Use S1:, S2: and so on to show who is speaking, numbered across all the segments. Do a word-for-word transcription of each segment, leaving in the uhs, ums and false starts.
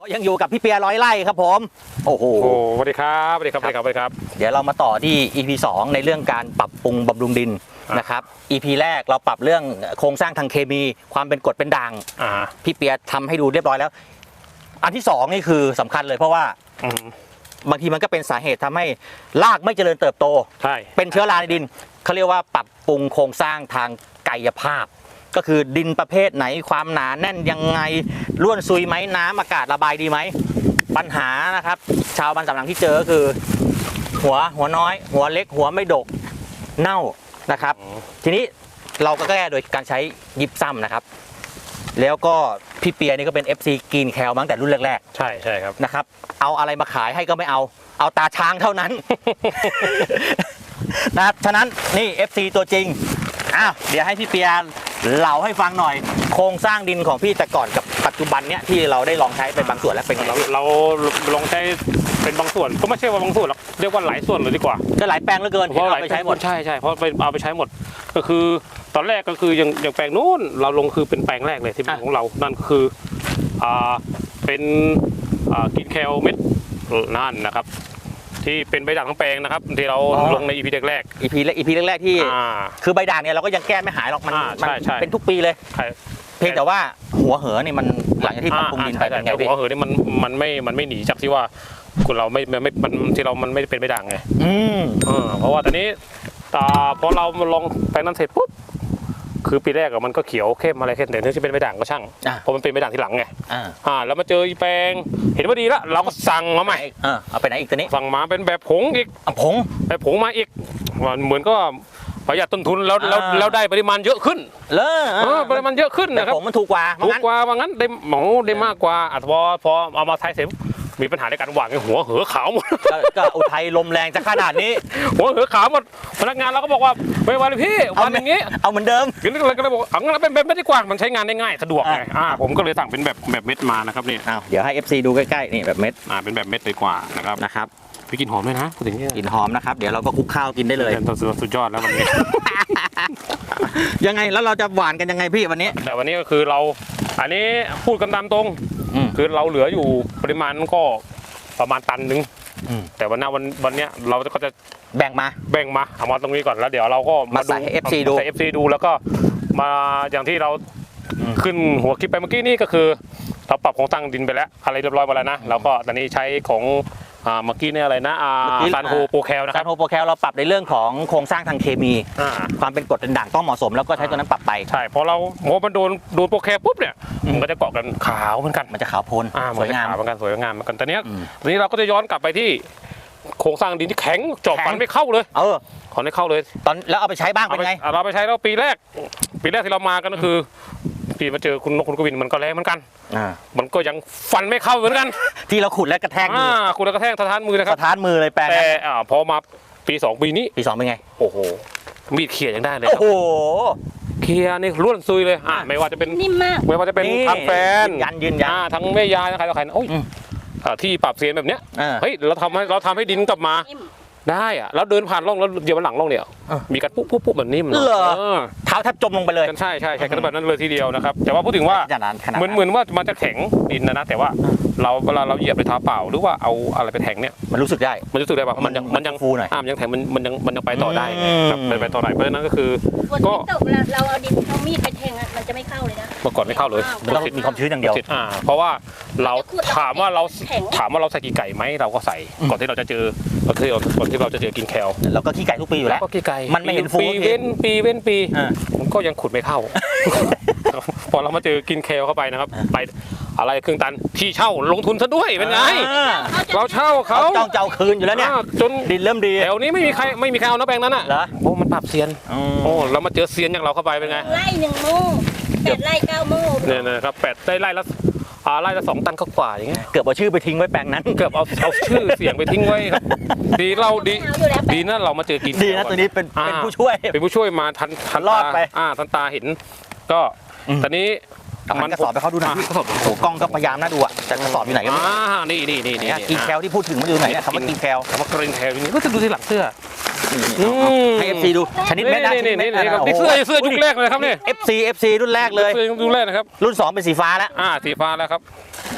S1: ยังอยู่กับพี่เปียร้อยไร่ครับผมโอ้โห
S2: สวัสดีครับสวัสดีครับสวัสดีครับสวัสดีครับ
S1: เดี๋ยวเรามาต่อที่ อี พี สองในเรื่องการปรับปรุงบำรุงดินนะครับ อี พี แรกเราปรับเรื่องโครงสร้างทางเคมีความเป็นกรดเป็นด่างพี่เปียทำให้ดูเรียบร้อยแล้วอันที่สองนี่คือสำคัญเลยเพราะว่าบางทีมันก็เป็นสาเหตุทำให้รากไม่เจริญเติบโต
S2: ใช่
S1: เป็นเชื้อราในดินเขาเรียกว่าปรับปรุงโครงสร้างทางกายภาพก็คือดินประเภทไหนความหนาแน่นยังไงร่วนซุยไหมน้ำอากาศระบายดีไหมปัญหานะครับชาวบ้านสำหลังที่เจอก็คือหัวหัวน้อยหัวเล็กหัวไม่ดกเน่านะครับทีนี้เราก็แก้โดยการใช้ยิปซัมนะครับแล้วก็พี่เปียนี่ก็เป็น เอฟ ซี กรีนแคลตั้งแต่รุ่นแรก
S2: ๆใช่ใช่ครับ
S1: นะครับเอาอะไรมาขายให้ก็ไม่เอาเอาตาช้างเท่านั้น นะฉะนั้นนี่ เอฟ ซี ตัวจริงอ้าวเดี๋ยวให้พี่เปียเล่าให้ฟังหน่อยโครงสร้างดินของพี่แต่ก่อนกับปัจจุบันเนี้ยที่เราได้ลองใช้เป็นบางส่วนแล้วเป็นไง
S2: เราเราลองใช้เป็นบางส่วนก็ไม่ใช่ว่าบางส่วนหรอกเรียกว่าหลายส่วนเลยดีกว่า
S1: ก็หลายแปลงเหลือเกิน
S2: เพราะเอาไปใช้หมดใช่ใช่เพราะไปเอาไปใช้หมดก็คือตอนแรกก็คืออย่างอย่างแปลงนู้นเราลงคือเป็นแปลงแรกเลยที่เป็นของเรานั่นคืออ่าเป็นอ่ากินแคลเม็ดนั่นนะครับที่เป็นใบด่างทั้งแปลงนะครับที่เราลงใน อี พี แรกๆ
S1: อี พี แรก อี พี แรกๆที่คือใบด่างเนี่ยเราก็ยังแก้ไม่หายหรอกมันเป็นทุกปีเลยเพียงแต่ว่าหัวเหอเนี่ยมันหลังจากที่ปรับปรุงดินไปเป็นไงพี่
S2: หัวเหอเนี่ยมันมันไม่มันไม่หนีจากที่ว่าคุณเราไม่ไม่มันที่เรามันไม่เป็นใบด่างไงอืมเพราะว่าตอนนี้พอเราลองแปลงนั้นเสร็จปุ๊บคือปีแรกมันก็เขียวเข้มอะไรเข้มแต่เนื่องจากเป็นใบด่างก็ช่างเพราะมันเป็นใบด่างที่หลังไงอ่าแล้วมาเจอแปลงเห็นว่าดีแล้วเราก็สั่งมาใหม่
S1: เอาไปไหนอีกตัวนี้
S2: สั่งมาเป็นแบบผงอีก
S1: ผง
S2: แบบผงมาอีกเหมือนก็ประหยัดต้นทุนแล้วแล้วแล้วได้ปริมาณเยอะขึ้น
S1: เลย
S2: ปริมาณเยอะขึ้นนะครับ
S1: ผงมันถูกกว่า
S2: ถูกกว่าว่างั้นได้หมอได้มากกว่าอ่ะพอพอเอามาใช้เสร็จมีปัญหาในการวางหัวเหอขาวหมด
S1: ก็อุทัยลมแรงจะขนาดนี้
S2: หัวเหอขาวหมดพนักงานเราก็บอกว่าไม่วันเลยพี่วันอย่างงี้
S1: เอาเหมือนเดิม
S2: ก็เลยก็เลยบอกเอางั้นเป็นแบบไม่ได้กว้างมันใช้งานได้ง่ายสะดวกไงอ่าผมก็เลยสั่งเป็นแบบแบบเม็ดมานะครับนี่
S1: เดี๋ยวให้ เอฟ ซี ดูใกล้ๆนี่แบบเม็ด
S2: อ่าเป็นแบบเม็ดเลยกว่านะครับ
S1: นะครับ
S2: พี่กินหอมด้วยนะพูดถึงนี่
S1: กินหอมนะครับเดี๋ยวเราก็คลุกข้าวกินได้เลย
S2: สุดยอดแล้ววันนี้
S1: ยังไงแล้วเราจะหวานกันยังไงพี่วันนี้
S2: แต่วันนี้ก็คือเราอันนี้พูดกันตามตรงคือเราเหลืออยู่ปริมาณก็ประมาณตันนึงแต่วันนี้วันวันนี้เราก็จะ
S1: แบ่งมา
S2: แบ่งมาเอามาตรงนี้ก่อนแล้วเดี๋ยวเราก็
S1: มาใส่ เอฟ ซี ดู
S2: ใส่ เอฟ ซี ดูแล้วก็มาอย่างที่เราขึ้นหัวคลิปไปเมื่อกี้นี่ก็คือเราปรับโครงสร้างดินไปแล้วอะไรเรียบร้อยมาแล้วนะแล้วก็ตอนนี้ใช้ของเมื่อกี้เนี่ยอะไรนะซานโฮโปรแคลนะครับ
S1: ซานโฮโปรแคลเราปรับในเรื่องของโครงสร้างทางเคมีความเป็นกรดเป็นด่างต้องเหมาะสมแล้วก็ใช้ตัวนั้นปรับไป
S2: ใช่พอเราโมมันโดนโดนโปรแคลปุ๊บเนี่ยมันก็จะเกาะกันขาวเหมือนกัน
S1: มันจะขาวพ้น
S2: สวยงามเหมือนกันสวยงามเหมือนกันตอนนี้ตอนนี้เราก็จะย้อนกลับไปที่โครงสร้างดินที่แข็งเจาะฟันไม่เข้าเลย
S1: เออ
S2: ขอไม่เข้าเลย
S1: ตอนแล้วเอาไปใช้บ้างเป็นไง
S2: เราไปใช้แล้วปีแรกปีแรกที่เรามากันก็คือปีมาเจอคุณนกคุณกวินมันก็แรงเหมือนกันมันก็ยังฟันไม่เข้าเหมือนกัน
S1: ที่เราขุดแล้วกระแทกมือ
S2: ขุดแล้วกระแทกสะท้านมือนะครับ
S1: สะท้านมือเลยแปลง
S2: แต่พอมาปีสองปีนี้
S1: ปีสองเป็นไง
S2: โอ้โหมีดเขี่ยยังได้เลย
S1: โอ้โห
S2: เขี่ยนี่ล้วนซุยเลยอ่าไม่ว่าจะเป็น
S3: นิ่มมาก
S2: ไม่ว่าจะเป็นทางแฟน
S1: ยันยืนยัน
S2: ทั้งแม่ยายใครต่อใครโอ้ยที่ปรับเสียงแบบเนี้ยเฮ้ยเราทำให้เราทำให้ดินกลับมาได้อะแล้วเดินผ่านร่องแล้วเดี๋ยวมันหลังร่องเนี่ยมีการปุ๊บปุ๊บปุ๊บแบบนี้มัน
S1: เหรอเท้าแทบจมลงไปเลย
S2: ใช่ใช่ใช่กันแบบนั้นเลยทีเดียวนะครับแต่ว่าพูดถึงว่าเหมือนเหมือนว่ามันจะแข็งดินนะนะแต่ว่าเราเวลาเราเหยียบไปเท้าเปล่าหรือว่าเอาอะไรไปแทงเนี่ย
S1: มันรู้สึกได้
S2: มันรู้สึกได้ป่ะมันยังมันยัง
S1: ฟูหน่อย
S2: อ่ามันยังแทงมันมันยังมันยังไปต่อได้ครับไปต่อได้เพราะฉะนั้นก็คือ
S3: ก็เราเอาดินเอามีดไปแทงมันจะไม่เข้าเลยนะ
S2: เมื่อก่อนไม่เข้าเลย
S1: เรามีความชื้นอย่างเดียว
S2: อ่าเพราะว่าเราถามว่าเราถามว่าเราใส่กี่ไก่ไหมเราก็ใส่ก่อนที่เราจะเจอก่อนที่เราก่อนที่เราจะเจอกินแคล
S1: เราก็ขี้ไก่ทุกปีอยู่แล้ว
S2: ก็ขี้ไก่
S1: มันไม่เห็นฟู
S2: ปีเว้นปีเว้นปีมันก็ยังขุดไม่เข้าพอเรามาเจอกินแคลเข้าไปนะครับไปอะไรครึ่งตันที่เช่าลงทุนซะด้วยเป็นไงเราเช่าเขา
S1: จ้องเจ้าคืนอยู่แล้วเนี่ย
S2: จน
S1: ดินเริ่มดี
S2: แถวนี้ไม่มีใครไม่มีใครเอาน้ำแปลงนั้นอ่ะโอ้มันปรับเซียนโอ้เรามาเจอเซียนอย่างเราเข้าไปเป็นไง
S3: ไร่หนึ่งโม่แปดไร่เก้าโม่
S2: เนี่ยนะครับแปดได้ไร่ละอ่าไร่ละสองตันก็กว่าอย่างเงี้ย
S1: เกือบเอาชื่อไปทิ้งไว้แปลงนั้น
S2: เกือบเอาเอาชื่อเสียงไปทิ้งไว้ครับดีเราดีดีนะเรามาเจอกิน
S1: ดีนะตัวนี้เป็นเป็นผู้ช่วย
S2: เป็นผู้ช่วยมาทันทัน
S1: รอดไป
S2: อ่าทันตาเห็นก็ตอนนี้
S1: มันกระสอบไปเขาดูหน่อยโอ้โหกล้องก็พยายามน่าดูอ่ะแต่กระสอบอยู่ไหนกัน
S2: อ่านี่นี่นี่นี่
S1: กินแคลที่พูดถึงมันอยู่ไหนเนี่ยคำว่ากินแคล
S2: คำว่ากรีนแคลนี่ก็จะดูที่หลังเสื้อ
S1: ให้ เอฟ ซี ดูชนิดเม็ดนะชนิดเม็ด
S2: นี่เสื้อเสื้อยุคแรกเลยครับนี่
S1: เอฟ ซี เอฟ ซี รุ่นแรกเลย
S2: รุ่นแรกนะครับ
S1: รุ่นสองเป็นสีฟ้าแล้ว
S2: อ่าสีฟ้าแล้วครับ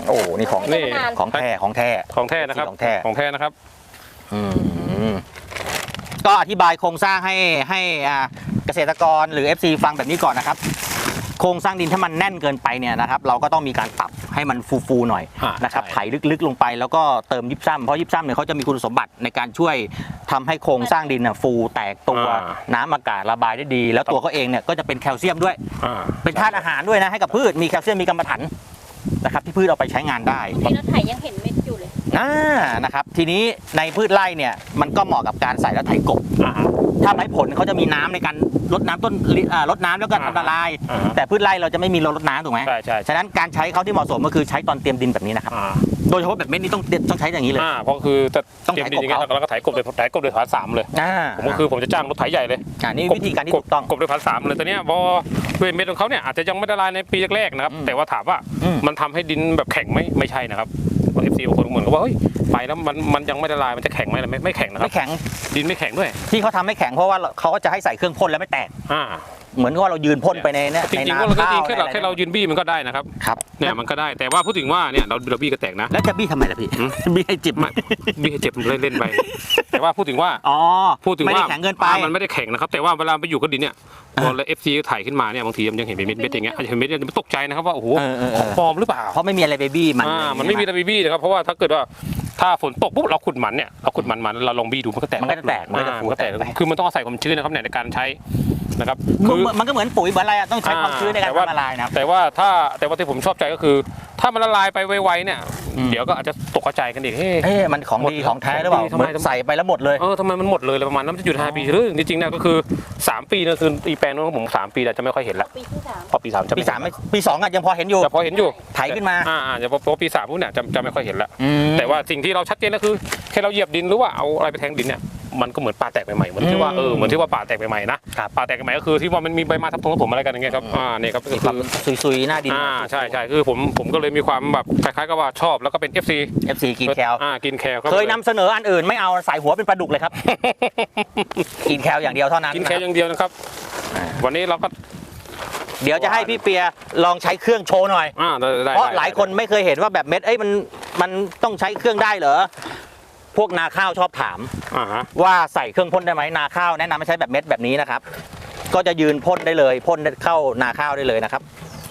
S1: โอ้นี่ของ
S2: นี่
S1: ของแท้ของแท้
S2: ของแท้นะครับ
S1: ของแท้
S2: ของแท้นะครับ
S1: อืมก็อธิบายโครงสร้างให้ให้อ่าเกษตรกรหรือ เอฟ ซี ฟังแบบนี้ก่อนนะครับ โครงสร้างดินถ้ามันแน่นเกินไปเนี่ยนะครับ เราก็ต้องมีการปรับให้มันฟูๆหน่อย
S2: อ่า
S1: นะครับ
S2: ใช่
S1: ไถลึกๆลงไปแล้วก็เติมยิบซ้ำเพราะยิบซ้ำเนี่ยเขาจะมีคุณสมบัติในการช่วยทำให้โครงสร้างดินน่ะฟูแตกตัว
S2: อ่า
S1: น้ำอากาศระบายได้ดี แล้วตัวเขาเองเนี่ยก็จะเป็นแคลเซียมด้วย
S2: อ่า
S1: เป็นธาตุอาหารด้วยนะให้กับพืชมีแคลเซียมมีกรรมะถันนะครับที่พืชเอาไปใช้งานได้
S3: ในรถไถยังเห็นเม็ดอยู่เลย
S1: อ่านะครับทีนี้ในพืชไร่เนี่ยมันก็เหมาะกับการใส่แล้วไถกบ
S2: อ่า
S1: ถ้าไม้ผลเขาจะมีน้ำในการลดน้ำต้นอ่ารดน้ำแล้วก็ทำละลาย
S2: อ่า
S1: แต่พืชไร่เราจะไม่มีรดน้ำถูกไหม
S2: ใช่ใช่
S1: ฉะนั้นการใช้เขาที่เหมาะสมก็คือใช้ตอนเตรียมดินแบบนี้นะครับ
S2: อ่า
S1: โดยเฉพาะแบบเม็ดนี้ต้องต้องใช้อย่างนี้เลย
S2: อ่าเพราะคือจะ
S1: ต้อง
S2: เตรียม
S1: ไถ
S2: ดินอย่างเงี้ย
S1: กบเขา
S2: แล้วก็ไถกบเลยไถกบเลยฐานสามเลย
S1: อ่า
S2: ผมก็คือผมจะจ้างรถไถใหญ่เลย
S1: อ่านี่วิธีการที่ถูกต้อง
S2: กบด้วยพันสามเลยแต่เนี้ยพอด้วยเม็ดของเขาเนี่ยอาจจะยังไม่ละลายในปีแรกๆนะครับ
S1: อืม
S2: แต่ว่าถามว่า
S1: อืม
S2: มันทำให้ดินแบบแข็งไหมไม่ใช่นะครับเอฟซีบางคนเหมือนกับว่าเฮ้ยไปแล้วมันมันยังไม่ละลายมันจะแข็งไหมไม่ไม่แข็งนะครั
S1: ไม่
S2: บ
S1: แข็ง
S2: ดินไม่แข็งด้วย
S1: ที่เขาทำให้แข็งเพราะว่าเขาก็จะให้ใส่เครื่องพ่นแล้วไม่แตก
S2: อ่า
S1: เหมือนกับว่าเรายืนพ่นไปในเนี่ย
S2: จ
S1: ใน
S2: ริงๆ
S1: นา
S2: ว่าเราก็
S1: ข้า
S2: จริ
S1: ว
S2: งแค่เรา
S1: ใน
S2: แค่เรายืนบี้มันก็ได้นะครับ
S1: ครับ
S2: เนี่ยมันก็ได้แต่ว่าพูดถึงว่าเนี่ยเราเราบี้ก็แตกนะ
S1: แล้วจะบี้ทำไมล่ะพี่
S2: อืม
S1: บี้ให้จิบ
S2: ไม่บี้ให้เจ็บเล่นๆไปแต่ว่าพูดถึงว่า
S1: อ๋อ
S2: พูดถึง
S1: ไม่
S2: ว่า
S1: ได้แข็งเกินไป
S2: อ่ามันไม่ได้แข็งนะครับแต่ว่าเวลาไปอยู่กับดินเนี่ยพอเอฟซีถ่ายขึ้นมาเนี่ยบางทีมันยังเห็นเป็นเม็ดๆอย่างเงี้ยอาจจะเห็นเม็ดๆมันตกใจนะครับว่าโอ้โห
S1: เออเออเอ
S2: ของ
S1: อ
S2: ปลอมหรือเปล่า
S1: เพราะไม่มีอะไรไปบี้มัน
S2: อ่ามันไม่มีตะบีบี้นะครับเพราะว่าถ้าเกิดว่าถ้าฝนตกปุ๊บเราขุดมันเนี่ยเราขุดมันมันเราลองบี้ดูมันก็แตก
S1: มันก็จะแตกมันก็จะ
S2: อ่า
S1: ฟู
S2: มันก็แตก
S1: แตกไป
S2: คือมันต้องอาศัยความชื้นนะครับเนี่ยในการใช้นะครับ
S1: คื
S2: คือ อ
S1: มันก็เหมือนปุ๋ยเหมือนอะไรอะต้องใช้ความชื้นในการ
S2: แต่ว่า
S1: ทำละลายนะครับ
S2: แต่ว่าถ้าแต่ว่าที่ผมชอบใจก็คือ ถ้ามันละลายไปไวๆเนี่ย
S1: อืม
S2: เดี๋ยวก็อาจจะตกกระจายกันอีกเฮ้ย
S1: เอ๊ะมันของดี
S2: หมด
S1: ของแท้หรือเปล่า
S2: ของดีทำ
S1: เห
S2: ไม
S1: มือนใส่ไปแล้วหมดเลย
S2: เออทำไมมันหมดเลยอะไรประมาณนั้นมันจะอยู่ห้าปีหรือจริงๆเนี่ยก็คือสามปีนะคืออีแปลงนู้นของผมสามปีแต่จะไม่ค่อยเห็นละ
S3: ปีที่สาม
S2: พอปีสามจะ
S1: ปีสามไม่ปีสองอะยังพอเห็นอยู่
S2: จะพอเห็นอยู่
S1: ไถขึ้นมา
S2: อ่าอ่าจะพอพอปีสามปุ๊บเนี่ยจะจะไม่ค่อยเห็นละ
S1: อืม
S2: แต่ว่าสิ่งที่เราชัดเจนก็คือแค่เราเหยียบดินหรือว่าเอาอะไรไปแทงดินเนี่ยมันก็เหมือนป่าแตกใหม่ๆเหมือนที่ว่าเออเหมือนที่ว่าป่าแตกใหม่ๆนะครับ ป่าแตกใหม่ก็คือที่ว่ามันมีใบไม้ทับทงทับผมอะไรกันอย่างเงี้ยครับอ่าเนี่ยครับก็
S1: มี
S2: คือ
S1: ความซุยๆหน้าดิน
S2: อ่าใช่ใช่คือผมผมก็เลยมีความแบบคล้ายๆกับว่าชอบแล้วก็เป็น เอฟ ซี
S1: เอฟซีกินแคล
S2: อ่ากินแคล
S1: เคยนำเสนออันอื่นไม่เอาใส่หัวเป็นปลาดุกเลยครับ กินแคลอย่างเดียวเท่านั้น
S2: กินแคลอย่างเดียวนะครับ วันนี้เราก็
S1: เดี๋ยวจะให้พี่เปียลองใช้เครื่องโชว์หน่อย
S2: อ่าได้ได้
S1: เพราะ
S2: ได้
S1: หลายคนไม่เคยเห็นว่าแบบเม็ดเอ้ยมันมันต้องใช้เครื่องได้เหรอพวกนาข้าวชอบถาม
S2: อ่าฮะ
S1: ว่าใส่เครื่องพ่นได้ไหมนาข้าวแนะนำให้ใช้แบบเม็ดแบบนี้นะครับ ก็จะยืนพ่นได้เลยพ่นเข้านาข้าวได้เลยนะครับ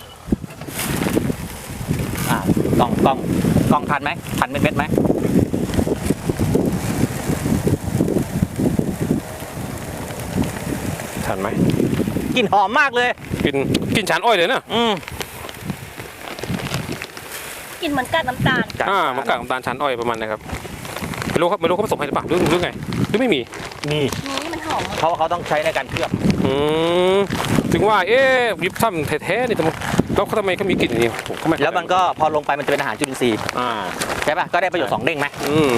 S1: อ่ากล้องกล้องกล้องทันไหมทันเม็ดเม็ดไหม
S2: ทันไหม
S1: กลิ่นหอมมากเลย
S2: กินกินชานอ้อยเลยเนอะ
S1: อืม
S3: กินเหมือนกัดน้ำตาล
S2: อ่ามันกากน้ำตาลชานอ้อยประมาณนะครับไม่รู้ครับไม่รู้เขาผสมให้หรือเปล่าหรือหรือไงหรือไม่มี
S1: นี่
S3: นี่มันหอม
S1: เพราะว่าเขาต้องใช้ในการเคลือบ
S2: อืมถึงว่าเอ๊ะยิบซ้ำแท้ๆนี่ทำไมแล้วเขาทำไมเขามีกลิ่นอย่างนี้ผมก็ไม่เข้าใจ
S1: แล้วมันก็พอลงไปมันจะเป็นอาหารจุลินทรีย์
S2: อ่า
S1: ใช่ป่ะก็ได้ประโยชน์สองเด้งไหม
S2: อืม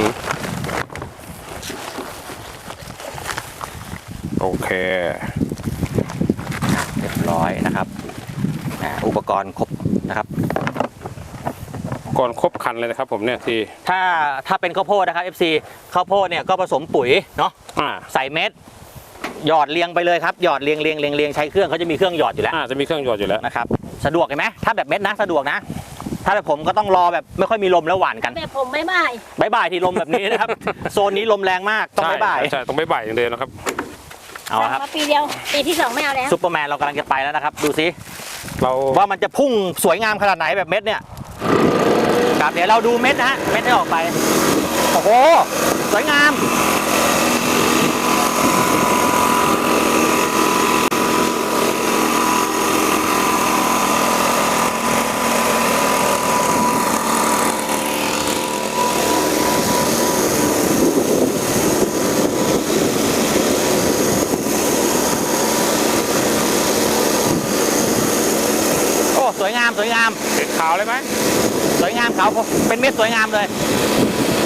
S2: โอเค
S1: เรียบร้อยนะครับอ่าอุปกรณ์ครบนะครับ
S2: ก่อนครบคันเลยนะครับผมเนี่ยที่
S1: ถ้าถ้าเป็นข้าวโพดนะครับ เอฟ ซี ข้าวโพดเนี่ยก็ผสมปุ๋ยเนาะ
S2: อ่า
S1: ใส่เม็ดหยอดเรียงไปเลยครับหยอดเรียงเรียงเรียงเรียงใช้เครื่องเขาจะมีเครื่องหยอดอยู่แล้ว
S2: อ่าจะมีเครื่องหยอดอยู่แล้ว
S1: นะครับสะดวกเห็นไหมถ้าแบบเม็ดนะสะดวกนะ ถ้าแบบผมก็ต้องรอแบบไม่ค่อยมีลมแล้วหวานกัน
S3: แบบผมไม่บ่าย
S1: บายบายที่ลมแบบนี้นะครับ โซนนี้ลมแรงมากต้องบายบาย
S2: ใช่ใช่ต้องบายบายอย่างเดียวนะครับ
S1: เอาละครับ
S3: มาปีเดียวปีที่สองไม่เอาแล้ว
S1: ซุปเปอร์แมนเรากำลังจะไปแล้วนะครับ ดูซิ
S2: เรา
S1: ว่ามันจะพุ่งสวยงามขนาดไหนแบบเม็ดเนี่ยครับเดี๋ยวเราดูเม็ดนะฮะเม็ดที่ออกไปโอ้โหสวยงามโอ้สวยงามสวยงาม
S2: เห็นขาวเลยไหม
S1: สวยงามเขาเป็นเม็ดสวยงามเลย